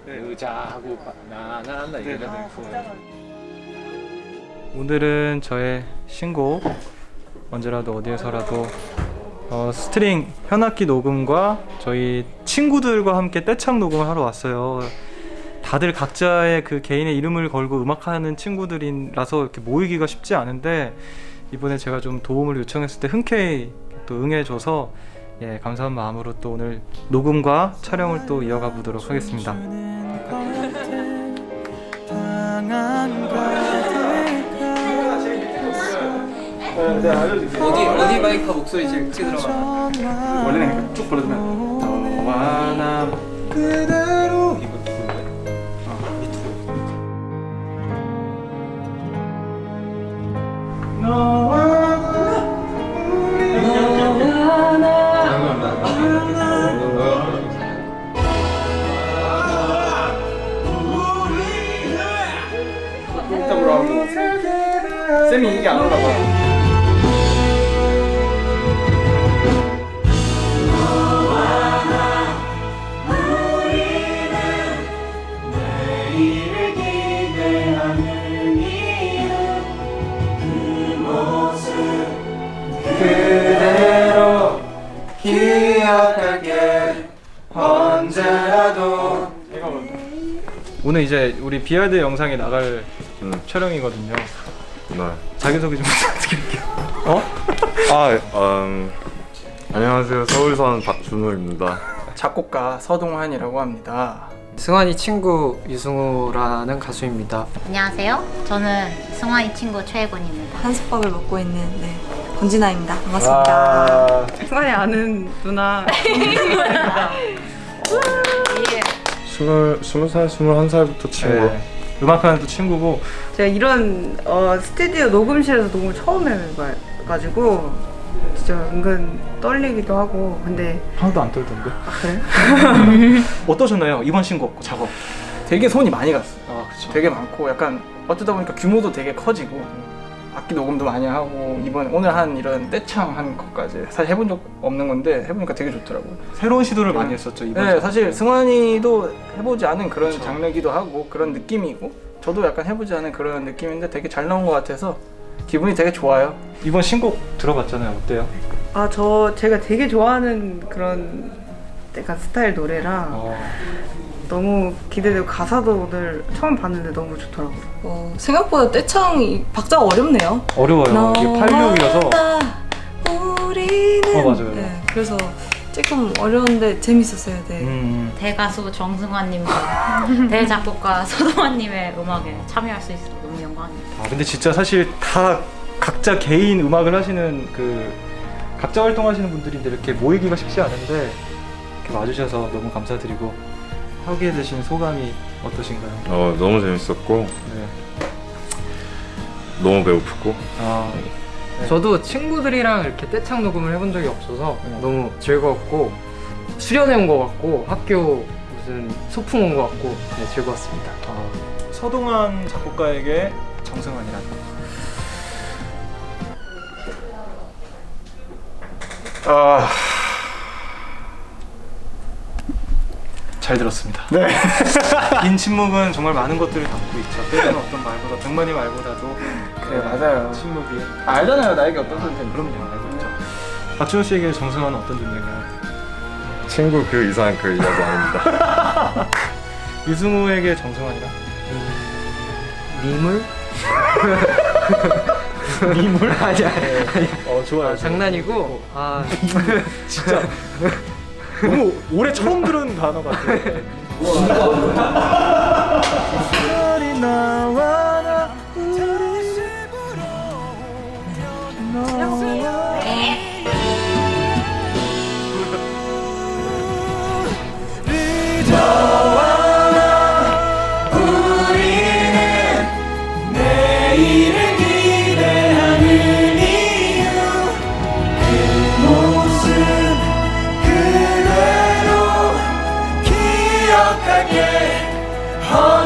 의자하고 나나나 이래야 돼. 오늘은 저의 신곡 언제라도 어디에서라도 스트링 현악기 녹음과 저희 친구들과 함께 떼창 녹음을 하러 왔어요. 다들 각자의 그 개인의 이름을 걸고 음악하는 친구들이라서 이렇게 모이기가 쉽지 않은데 이번에 제가 좀 도움을 요청했을 때 흔쾌히 또 응해줘서 감사한 마음으로 또 오늘 녹음과 촬영을 또 이어가 보도록 하겠습니다. 어디 마이크 목소리 제일 크게 들어가? 원래는 쭉 불러주면 너와 나 그대로 이거 쌤이 이게 안 올라가. 그대로 기억할게 언제라도. 오늘 이제 우리 비하드 영상에 나갈 촬영이거든요. 네. 자기소개 좀 부탁드릴게요. 안녕하세요. 서울 사는 박준호입니다. 작곡가 서동환이라고 합니다. 승환이 친구 유승우라는 가수입니다. 안녕하세요. 저는 승환이 친구 최혜곤입니다. 한솥밥을 먹고 있는 권진아입니다. 반갑습니다. 승환이 아는 누나 스무 살, 21살부터 친구. 음악하는 또 친구고. 제가 이런 스튜디오 녹음실에서 녹음을 처음 해봐가지고 진짜 은근 떨리기도 하고. 근데 하나도 안 떨던데. 그래요? 어떠셨나요? 이번 신곡 작업. 되게 손이 많이 갔어. 그쵸. 되게 많고 약간 어쩌다 보니까 규모도 되게 커지고 악기 녹음도 많이 하고 오늘 한 이런 떼창 한 것까지 사실 해본 적 없는 건데 해보니까 되게 좋더라고요. 새로운 시도를 많이 했었죠 이번. 네, 사실 승환이도 해보지 않은 그런 그쵸. 장르기도 하고 그런 느낌이고 저도 약간 해보지 않은 그런 느낌인데 되게 잘 나온 것 같아서 기분이 되게 좋아요. 이번 신곡 들어봤잖아요. 어때요? 제가 되게 좋아하는 그런 약간 스타일 노래라 너무 기대되고 가사도 오늘 처음 봤는데 너무 좋더라고요. 생각보다 떼창 박자가 어렵네요. 어려워요. 이게 86이라서. 우리는 맞아요. 네, 그래서 조금 어려운데 재밌었어요. 네. 대가수 정승환님과 대작곡가 서동환님의 음악에 참여할 수 있어서 너무 영광입니다. 근데 진짜 사실 다 각자 개인 음악을 하시는 각자 활동하시는 분들인데 이렇게 모이기가 쉽지 않은데 이렇게 와주셔서 너무 감사드리고 하게 되신 소감이 어떠신가요? 너무 재밌었고 네. 너무 배고프고. 저도 친구들이랑 이렇게 떼창 녹음을 해본 적이 없어서 너무 즐거웠고 수련회 온 것 같고 학교 무슨 소풍 온 것 같고 즐거웠습니다. 서동환 작곡가에게 정승환이란. 잘 들었습니다. 네. 긴 침묵은 정말 많은 것들을 담고 있죠. 때로는 어떤 말보다 100마디 말보다도 그래 맞아요. 침묵이. 알잖아요 나에게 어떤 선택인지. 그럼요, 알고 있죠. 박준호 씨에게 정승환은 어떤 존재인가요? 친구 그 이상 그 이야기 아닙니다. 유승우에게 정승환이란? 미물? 미물? 아니야. 좋아요. 장난이고. 진짜 너무 올해 처음 들은 단어 같아요. 기억하게